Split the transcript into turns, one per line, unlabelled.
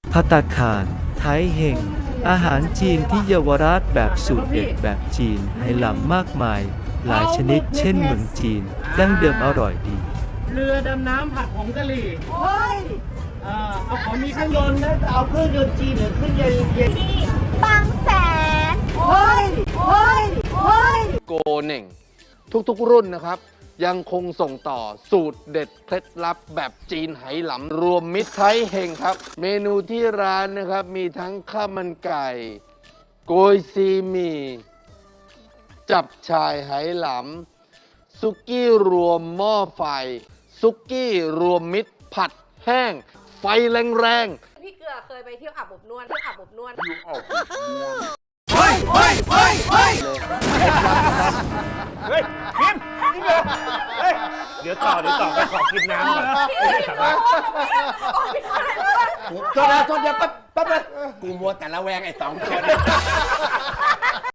ภัตตาคารไทยเฮงอาหารจีนที่เยาวราชแบบสูตรเด็ดแบบจีนไหหลำมากมาย หลายชนิดเช่นเมืองจีนดั้งเดิมอร่อยดี
เรือดำน้ำผัดผงกะหรี่
โอ้ย
เอาของมีเครื่องยนต์นะเอาเครื่องยนต์จีนหรือเครื่องยนต์เย็น
บางแสนโอ้ยโอ้ยโอ้ย
โกเน่งทุกๆรุ่นนะครับ ยังคงส่งต่อสูตรเด็ดเคล็ดลับแบบจีนไหหลำรวมมิตรไทยเฮงครับ เมนูที่ร้านนะครับมีทั้งข้าวมันไก่โกยซีหมี่จับชายไหหลำซุกี้รวมหม้อไฟซุกี้รวมมิตรผัดแห้ง ไฟแรงๆ
พี่เกลือเคยไปเที่ยวอาบอบนวด
เฮ้ยพิมพ์นี่เหรอเฮ้ยเดี๋ยวต่อไปขอกินน้ำก่อนไม่สามารถ
โทษนะแป๊บกูมัวแต่ละแวงไอ้สองคน